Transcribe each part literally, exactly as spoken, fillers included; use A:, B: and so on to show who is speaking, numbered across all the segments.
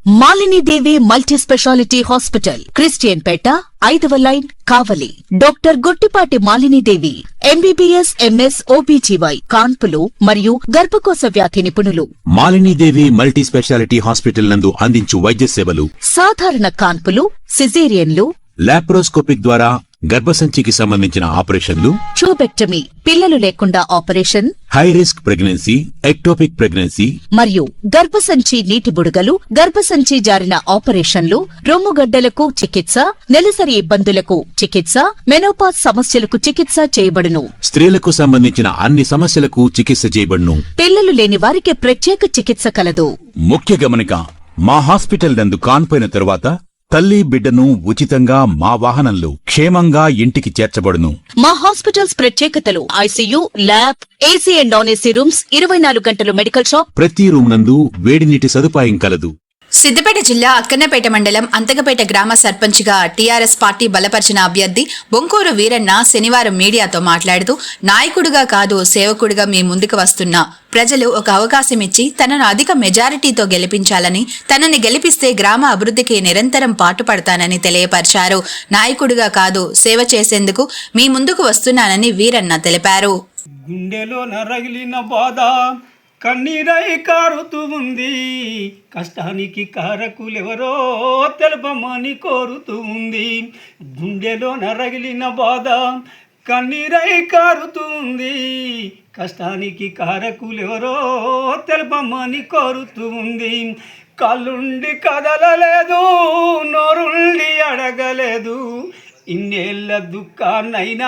A: Malini Devi multi speciality hospital, Christian Peta, ఐదవ line, Kavali. Doctor Guttipati Malini Devi, MBBS, MS, OBGY, కాన్పులు మరియు గర్భకోశ వ్యాధి నిపుణులు.
B: Malini Devi multi speciality hospital నందు అందించు వైద్య సేవలు:
A: సాధారణ కాన్పులు, సిజేరియన్లు,
B: లాప్రోస్కోపిక్ ద్వారా గర్భసంచికి సంబంధించిన ఆపరేషన్లు,
A: ట్యూబెక్టమీ, పిల్లలు లేకుండా operation,
B: high risk pregnancy, ectopic pregnancy
A: మరియు గర్భసంచి నీటి బుడగలు, గర్భసంచి జారిన ఆపరేషన్లు, రొమ్ముగడ్డలకు చికిత్స, నెలసరి ఇబ్బందులకు చికిత్స, మెనోపాజ్ సమస్యలకు చికిత్స చేయబడును.
B: స్త్రీలకు సంబంధించిన అన్ని సమస్యలకు చికిత్స చేయబడును.
A: పిల్లలు లేని వారికి ప్రత్యేక చికిత్స కలదు.
B: ముఖ్య గమనిక: మా హాస్పిటల్ నందు కాన్పోయిన తరువాత తల్లి బిడ్డను ఉచితంగా మా వాహనంలో క్షేమంగా ఇంటికి చేర్చబడును.
A: మా హాస్పిటల్స్ ప్రత్యేకతలు: ICU, lab, AC and non AC rooms, ఇరవై నాలుగు గంటలు మెడికల్ షాప్,
B: ప్రతి రూమ్ నందు వేడి నీటి సదుపాయం కలదు.
C: సిద్దిపేట జిల్లా అక్కన్నపేట మండలం అంతకపేట గ్రామ సర్పంచ్గా టీఆర్ఎస్ పార్టీ బలపరిచిన అభ్యర్థి బొంకూరు వీరన్న శనివారం మీడియాతో మాట్లాడుతూ, నాయకుడిగా కాదు సేవకుడిగా మీ ముందుకు వస్తున్నా. ప్రజలు ఒక అవకాశం ఇచ్చి తనను అధిక మెజారిటీతో గెలిపించాలని, తనని గెలిపిస్తే గ్రామ అభివృద్ధికి నిరంతరం పాటుపడతానని తెలియపరిచారు. నాయకుడిగా కాదు సేవ చేసేందుకు మీ ముందుకు వస్తున్నానని వీరన్న తెలిపారు.
D: గుండెలో నరగిలిన బాధ కన్నీరై కారుతూ ఉంది, కష్టానికి కారకులెవరో తెలపమని కోరుతూ ఉంది. గుండెలో నరగిలిన బాధ కన్నీరై కారుతూ ఉంది, కష్టానికి కారకులెవరో తెలపమని కోరుతూ ఉంది. కళ్ళుండి కదలలేదు, నోరుండి అడగలేదు, ఇన్నేళ్ల దుఃఖాన్నైనా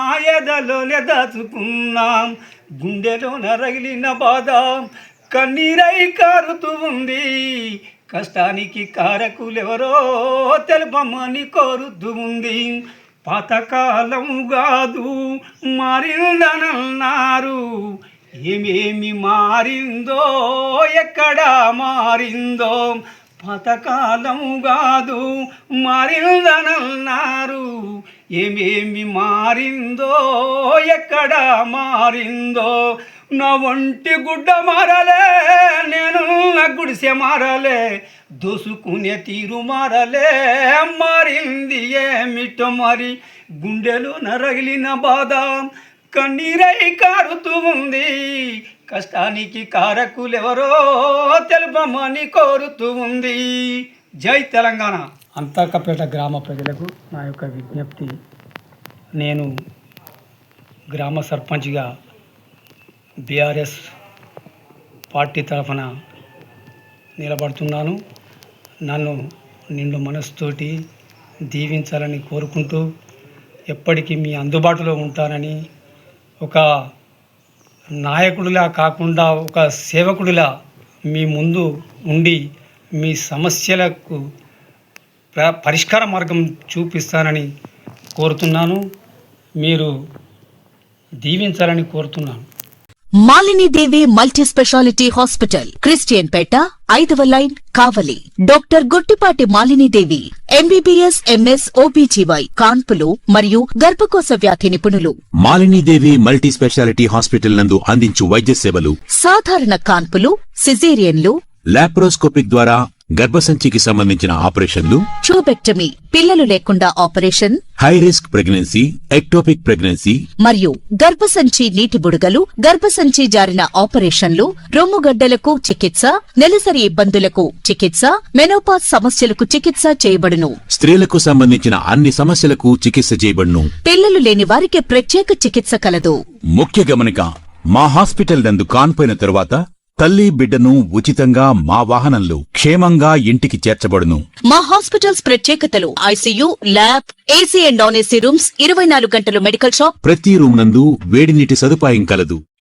D: ఎదలోనే దాచుకున్నాం. గుండెలో నరగిలిన బాధ కన్నీరై కారుతూ ఉంది, కష్టానికి కారకులెవరో తెలపమని కోరుతూ ఉంది. పాతకాలం కాదు మారిందనన్నారు, ఏమేమి మారిందో ఎక్కడ మారిందో. పాతకాలం కాదు మారిందనన్నారు, ఏమేమి మారిందో ఎక్కడ మారిందో. నా ఒంటి గుడ్డ మారలే, నేను నా గుడిసె మారలే, దోసుకునే తీరు మారలే, మారింది ఏమిటో మరి. గుండెలో నరగిలిన బాధ కన్నీరై కారుతూ ఉంది, కష్టానికి కారకులెవరో తెలపమని కోరుతూ ఉంది. జై తెలంగాణ. అంతకపేట గ్రామ ప్రజలకు నా యొక్క విజ్ఞప్తి: నేను గ్రామ సర్పంచ్గా బీఆర్ఎస్ పార్టీ తరఫున నిలబడుతున్నాను. నన్ను నిండు మనసుతోటి దీవించాలని కోరుకుంటూ, ఎప్పటికీ మీ అందుబాటులో ఉంటానని, ఒక నాయకుడిలా కాకుండా ఒక సేవకుడిలా మీ ముందు ఉండి మీ సమస్యలకు పరిష్కార మార్గం చూపిస్తానని కోరుతున్నాను. మీరు దీవించాలని కోరుతున్నాను.
A: Malini Devi multi speciality hospital, Christian Peta, ఐదవ line, Kavali. Doctor Guttipati Malini Devi, MBBS, MS, OBGY, కాన్పులు మరియు గర్భకోశ వ్యాధి నిపుణులు.
B: Malini Devi multi speciality hospital నందు అందించు వైద్య సేవలు:
A: సాధారణ కాన్పులు, సిజేరియన్లు,
B: లాప్రోస్కోపిక్ ద్వారా గర్భసంచికి సంబంధించిన ఆపరేషన్లు,
A: ట్యూబెక్టమీ, పిల్లలు లేకుండా operation,
B: high risk pregnancy, ectopic pregnancy
A: మరియు గర్భసంచి నీటి బుడగలు, గర్భసంచి జారిన ఆపరేషన్లు, రొమ్ముగడ్డలకు చికిత్స, నెలసరి ఇబ్బందులకు చికిత్స, మెనోపాజ్ సమస్యలకు చికిత్స చేయబడును.
B: స్త్రీలకు సంబంధించిన అన్ని సమస్యలకు చికిత్స చేయబడును.
A: పిల్లలు లేని వారికి ప్రత్యేక చికిత్స కలదు.
B: ముఖ్య గమనిక: మా హాస్పిటల్ నందు కాన్పోయిన తరువాత తల్లి బిడ్డను ఉచితంగా మా వాహనంలో క్షేమంగా ఇంటికి చేర్చబడును.
A: మా హాస్పిటల్స్ ప్రత్యేకతలు: ICU, lab, AC and non AC rooms, ఇరవై నాలుగు గంటలు మెడికల్ షాప్,
B: ప్రతి రూమ్ నందు వేడి నీటి సదుపాయం కలదు.